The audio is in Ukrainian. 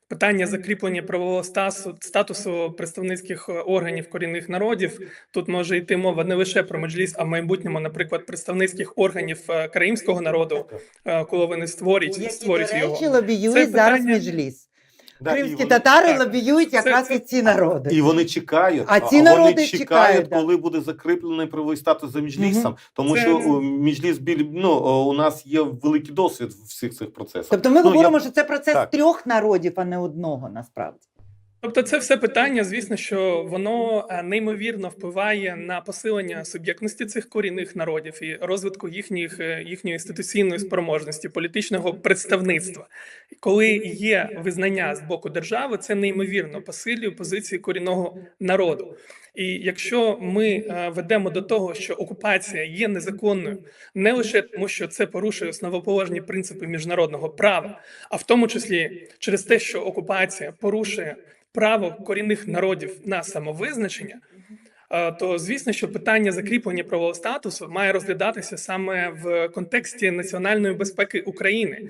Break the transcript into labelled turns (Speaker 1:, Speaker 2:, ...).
Speaker 1: Питання закріплення правового статусу представницьких органів корінних народів. Тут може йти мова не лише про Меджліс, а в майбутньому, наприклад, представницьких органів кримського народу, коли вони створюють
Speaker 2: Які, до
Speaker 1: його.
Speaker 2: речі, лобіюють зараз Меджліс.
Speaker 3: Да,
Speaker 2: Кримські татари лобіюють якраз і ці народи.
Speaker 3: І вони чекають,
Speaker 2: А ці народи чекають,
Speaker 3: коли буде закріплений правовий статус за Меджлісом, тому
Speaker 1: Це-
Speaker 3: що Меджліс, у нас є великий досвід в всіх цих процесах.
Speaker 2: Тобто ми говоримо, що це процес
Speaker 3: так.
Speaker 2: трьох народів, а не одного, насправді.
Speaker 1: Тобто це все питання, звісно, що воно неймовірно впливає на посилення суб'єктності цих корінних народів і розвитку їхньої інституційної спроможності, політичного представництва. Коли є визнання з боку держави, це неймовірно посилює позиції корінного народу. І якщо ми ведемо до того, що окупація є незаконною, не лише тому, що це порушує основоположні принципи міжнародного права, а в тому числі через те, що окупація порушує право корінних народів на самовизначення, то звісно, що питання закріплення правового статусу має розглядатися саме в контексті національної безпеки України.